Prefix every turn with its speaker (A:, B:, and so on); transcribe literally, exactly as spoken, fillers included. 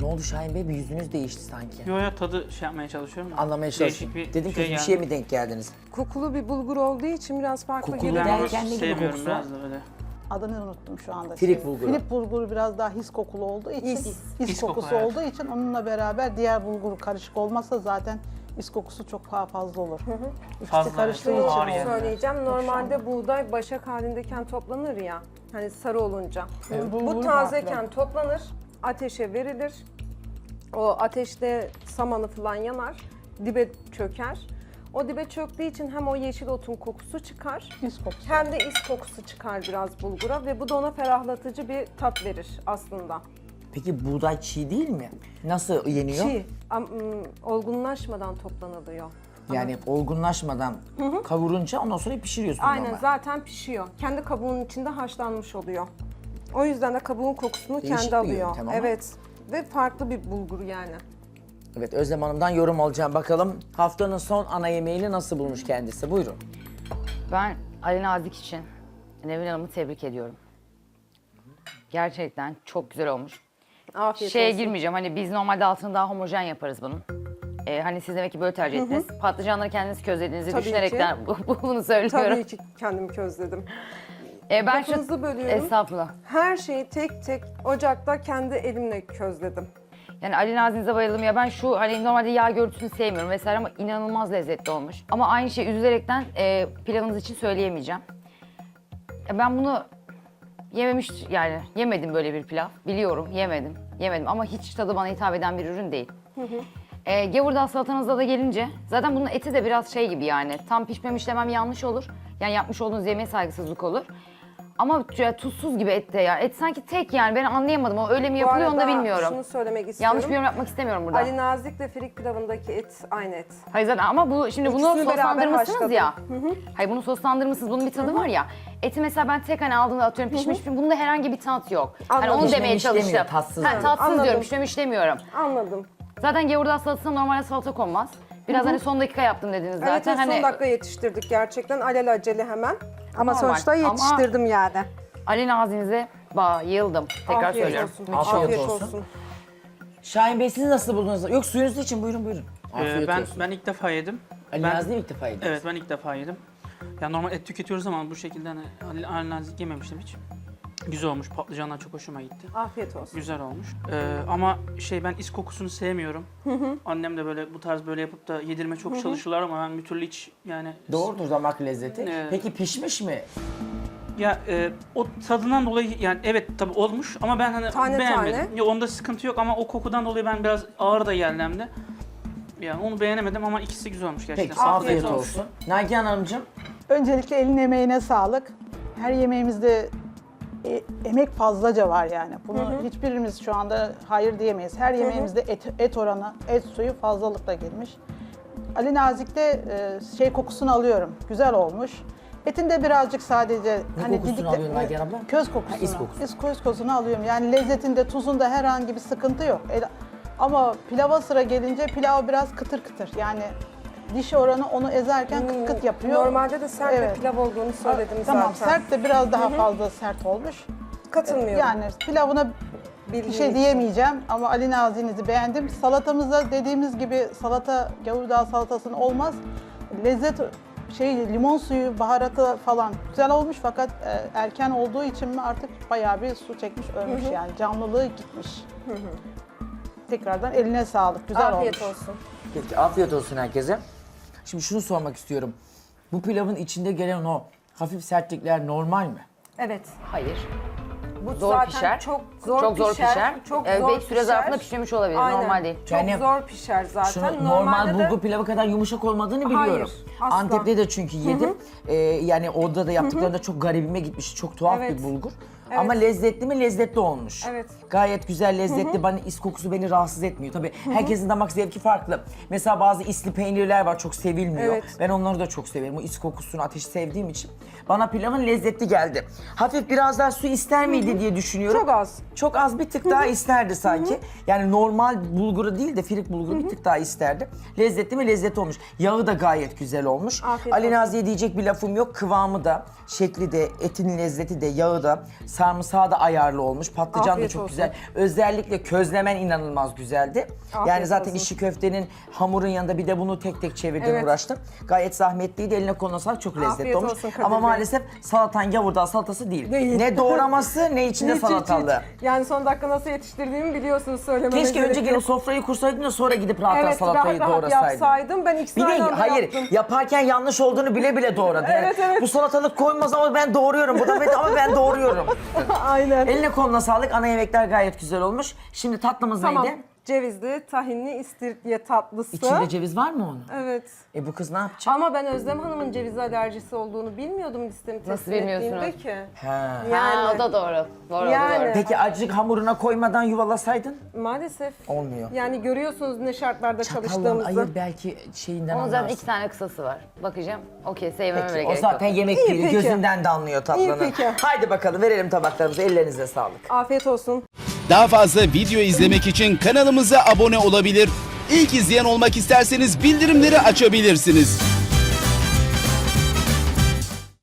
A: Ne oldu Şahin Bey? Bir yüzünüz değişti sanki.
B: Yo yo tadı şey yapmaya çalışıyorum.
A: Anlamaya çalışıyorum.
B: Değişik
A: Dedim
B: şey
A: ki bir
B: geldi.
A: şeye mi denk geldiniz?
C: Kokulu bir bulgur olduğu için biraz farklı
A: Kokulu
C: geliyor.
B: Ben onu
A: derken ne gibi
B: sevmiyorum
A: kokusu var?
B: biraz da öyle.
D: Adını unuttum şu anda.
A: Filik
D: Şey,
A: bulguru.
D: Filik bulguru biraz daha his kokulu olduğu için,
C: His.
D: his,
B: His koku,
D: kokusu
B: evet.
D: olduğu için onunla beraber diğer bulgur karışık olmazsa zaten his kokusu çok daha fazla olur. İkisi
B: Fazla,
D: karıştığı
B: evet.
D: için
B: Ağır
D: olur.
B: yani.
C: Söyleyeceğim. Normalde buğday başak halindeyken toplanır ya. Hani sarı olunca. Bu
D: bulgur
C: tazeyken
D: farklı.
C: toplanır, ateşe verilir. O ateşte samanı falan yanar, dibe çöker. O dibe çöktüğü için hem o yeşil otun kokusu çıkar,
D: His kokusu.
C: hem de is kokusu çıkar biraz bulgura ve bu da ona ferahlatıcı bir tat verir aslında.
A: Peki buğday çiğ değil mi? Nasıl yeniyor?
C: Çiğ, am- ım, olgunlaşmadan toplanılıyor.
A: Yani olgunlaşmadan kavurunca ondan sonra pişiriyorsun
C: Aynen
A: normal.
C: zaten pişiyor. Kendi kabuğunun içinde haşlanmış oluyor. O yüzden de kabuğun kokusunu
A: Değişik
C: kendi
A: bir
C: alıyor.
A: yöntem ama.
C: Evet. Ve farklı bir bulgur yani.
A: Evet, Özlem Hanım'dan yorum alacağım. Bakalım haftanın son ana yemeğini nasıl bulmuş kendisi? Buyurun.
E: Ben Ali Nazik için Nevin Hanım'ı tebrik ediyorum. Gerçekten çok güzel olmuş.
C: Afiyet
E: Şeye
C: olsun.
E: girmeyeceğim, hani biz normalde altını daha homojen yaparız bunun. Ee, hani siz demek ki böyle tercih ettiniz. Patlıcanları kendiniz közlediğinizi
C: Tabii
E: düşünerekten bu- bu- bunu söylüyorum.
C: Tabii ki kendimi közledim.
E: Ee, ben şu...
C: Lafınızı bölüyorum.
E: Estağfurullah.
C: Her şeyi tek tek ocakta kendi elimle közledim.
E: Yani Ali Nazik'e bayıldım ya, ben şu hani normalde yağ görüntüsünü sevmiyorum vesaire ama inanılmaz lezzetli olmuş. Ama aynı şey üzülerekten e, pilavınız için söyleyemeyeceğim. Ya ben bunu yememiş, yani yemedim böyle bir pilav. Biliyorum, yemedim. Yemedim ama hiç tadı bana hitap eden bir ürün değil. E, gevurdağ salatanızda da gelince zaten bunun eti de biraz şey gibi, yani tam pişmemiş demem yanlış olur. Yani yapmış olduğunuz yemeğe saygısızlık olur. Ama ya, tuzsuz gibi et de ya. Et sanki tek, yani ben anlayamadım. O öyle mi yapılıyor onu da
C: arada
E: bilmiyorum.
C: şunu söylemek istiyorum.
E: Yanlış bir yorum yapmak istemiyorum burada.
C: Ali Nazik ile firik pilavındaki et aynı et.
E: Hayır zaten ama bu şimdi bunu
C: İkisini beraber
E: soslandırmışsınız
C: haşladım.
E: ya. Hayır bunu soslandırmışsınız, bunun bir tadı var ya. Eti mesela ben tek hani aldığımda atıyorum pişmiş, pişmiş, bunda herhangi bir tat yok. Hani
C: Anladım.
E: onu demeye
A: Pişmemiş demiyor,
E: çalıştım.
A: tatsız
E: Ha,
A: diyor.
E: tatsız
C: Anladım.
E: diyorum, pişmemiş demiyorum.
C: Anladım.
E: Zaten gevurdağ salatasına normalde salata konmaz. Biraz hani son dakika yaptım dediniz zaten.
C: Evet, evet,
E: hani
C: son dakika yetiştirdik gerçekten alelacele hemen. Ama
E: Normal.
C: sonuçta
E: Ama-
C: yetiştirdim yani.
E: Ali Nazik'inize bayıldım. Tekrar
C: Afiyet
E: söylüyorum.
C: olsun.
A: Afiyet
C: Afiyet
A: olsun.
C: olsun.
A: Şahin Bey siz nasıl buldunuz? Yok suyunuz için buyurun buyurun.
B: Ee,
A: Afiyet
B: ben
A: olsun.
B: ben ilk defa yedim.
A: Ali
B: ben-
A: Nazlı ilk defa yediniz.
B: Evet ben ilk defa yedim. Ya normal et tüketiyoruz ama bu şekilde hani Ali- Ali Nazik yememiştim hiç. Güzel olmuş. Patlıcanlar çok hoşuma gitti.
C: Afiyet olsun.
B: Güzel olmuş. Ee, ama şey ben is kokusunu sevmiyorum. Annem de böyle bu tarz böyle yapıp da yedirme çok çalışırlar ama ben bir türlü hiç yani
A: Doğrudur damak lezzeti.
B: Evet.
A: Peki pişmiş mi?
B: ya e, o tadından dolayı yani evet tabii olmuş ama ben hani
C: Tane
B: beğenmedim.
C: tane.
B: Ya onda sıkıntı yok ama o kokudan dolayı ben biraz ağır da geldi hem de. Yani onu beğenemedim ama ikisi güzel olmuş gerçekten.
A: Peki afiyet,
C: olsun.
A: olsun. Nagihan Hanımcığım.
D: Öncelikle elin emeğine sağlık. Her yemeğimizde e, emek fazlaca var yani. Bunu hiçbirimiz şu anda hayır diyemeyiz. Her yemeğimizde et, et oranı, et suyu fazlalıkla girmiş. Ali Nazik'te e, şey kokusunu alıyorum. Güzel olmuş. Etinde birazcık sadece
A: Ne kokusunu alıyorsun Nagihan abla?
D: Köz kokusunu.
A: Ha, is kokusu.
D: is- köz kokusunu alıyorum. Yani lezzetinde, tuzunda herhangi bir sıkıntı yok. E, ama pilava sıra gelince pilav biraz kıtır kıtır. Yani diş oranı onu ezerken kıt kıt yapıyor.
C: Normalde de sert
D: Evet.
C: bir pilav olduğunu söyledim
D: Tamam,
C: zaten.
D: sert de biraz daha fazla sert olmuş.
C: Katılmıyorum.
D: Yani pilavına bir
C: Bildiğim
D: şey
C: için.
D: diyemeyeceğim ama Ali Nazik'inizi beğendim. Salatamızda dediğimiz gibi salata, gavurdağ salatasının olmaz. Lezzet şey limon suyu, baharatı falan güzel olmuş fakat e, erken olduğu için mi artık bayağı bir su çekmiş, ölmüş yani. Canlılığı gitmiş. Tekrardan eline sağlık. Güzel
C: Afiyet
D: olmuş.
C: olsun.
A: Peki afiyet olsun herkese. Şimdi şunu sormak istiyorum. Bu pilavın içinde gelen o hafif sertlikler normal mi?
C: Evet.
E: Hayır.
C: Bu
E: Zor
C: zaten
E: pişer.
C: Çok zor
E: Çok zor
C: pişer.
E: pişer.
C: Çok
E: Ee,
C: zor
E: belki süre
C: pişer.
E: zarfında pişmemiş olabilir.
C: Aynen.
E: Normal değil.
C: Çok
A: Yani
C: zor pişer zaten.
A: Şunu, normal
C: Normalde de-
A: bulgur pilavı kadar yumuşak olmadığını biliyorum.
C: Hayır, asla.
A: Antep'te de çünkü yedim. Ee, yani orada da yaptıklarında çok garibime gitmiş. Çok tuhaf
C: Evet.
A: bir bulgur. Ama lezzetli mi? Lezzetli olmuş.
C: Evet.
A: Gayet güzel, lezzetli. Bana is kokusu beni rahatsız etmiyor. Tabii herkesin damak zevki farklı. Mesela bazı isli peynirler var çok sevilmiyor.
C: Evet.
A: Ben onları da çok severim. O is kokusunu, ateşi sevdiğim için. Bana pilavın lezzetli geldi. Hafif biraz daha su ister miydi diye düşünüyorum.
C: Çok az.
A: Çok az bir tık daha isterdi sanki. Yani normal bulguru değil de firik bulguru bir tık daha isterdi. Lezzetli mi? Lezzetli olmuş. Yağı da gayet güzel olmuş.
C: Afiyet
A: Ali
C: olsun.
A: Nazi'ye diyecek bir lafım yok. Kıvamı da, şekli de, etin lezzeti de, yağı da, Sarımsağı da ayarlı olmuş. Patlıcan da
C: Afiyet
A: çok
C: olsun.
A: güzel. Özellikle közlemen inanılmaz güzeldi. yani
C: Afiyet
A: zaten
C: olsun.
A: içi köftenin hamurun yanında bir de bunu tek tek çevirdim,
C: Evet.
A: uğraştım. Gayet zahmetliydi. Eline koluna sağlık. Çok lezzetli
C: Afiyet
A: olmuş.
C: olsun Kadir
A: Ama
C: Bey.
A: maalesef salatan gavurdağ salatası değil.
C: Değil.
A: Ne doğraması ne içinde
C: Hiç, hiç,
A: salatalığı.
C: hiç. Yani son dakika nasıl yetiştirdiğimi biliyorsunuz, söylememe
A: Keşke
C: gerek
A: önce
C: yok.
A: gelip sofrayı kursaydın da sonra gidip rahat rahat
C: Evet,
A: salatayı
C: rahat rahat
A: doğrasaydın.
C: yapsaydım. Ben ikisini
A: Bir de
C: aynı anda
A: hayır
C: yaptım.
A: yaparken yanlış olduğunu bile bile doğradı. Yani
C: Evet, evet.
A: Bu salatalık koymaz ama ben doğruyorum. Bu da bet ama ben doğruyorum.
C: Aynen.
A: Eline koluna sağlık. Ana yemekler gayet güzel olmuş. Şimdi tatlımız
C: Tamam.
A: neydi?
C: Cevizli, tahinli istiridye tatlısı.
A: İçinde ceviz var mı onun?
C: Evet.
A: E bu kız ne yapacak?
C: Ama ben Özlem Hanım'ın ceviz alerjisi olduğunu bilmiyordum listemi
E: Nasıl
C: teslim
E: bilmiyorsunuz?
C: ettiğimde ki.
A: Ha.
C: Yani.
E: Ha, o da doğru. Doğru,
C: Yani.
E: o da doğru.
A: Peki acık hamuruna koymadan yuvalasaydın?
C: Maalesef.
A: Olmuyor.
C: Yani görüyorsunuz ne şartlarda
A: Çatalla
C: çalıştığımızı.
A: ayır belki şeyinden
E: Onun zaten
A: anlarsın.
E: iki tane kısası var. Bakacağım. Okey, sevmeme bile
A: Peki, o
E: gerek
A: zaten
E: yok.
A: yemek
C: İyi,
A: değil.
C: peki.
A: Gözünden de anlıyor tatlının.
C: İyi, peki.
A: Haydi bakalım verelim tabaklarımızı. Ellerinize sağlık.
C: Afiyet olsun.
F: Daha fazla video izlemek için kanalımıza abone olabilir. İlk izleyen olmak isterseniz bildirimleri açabilirsiniz.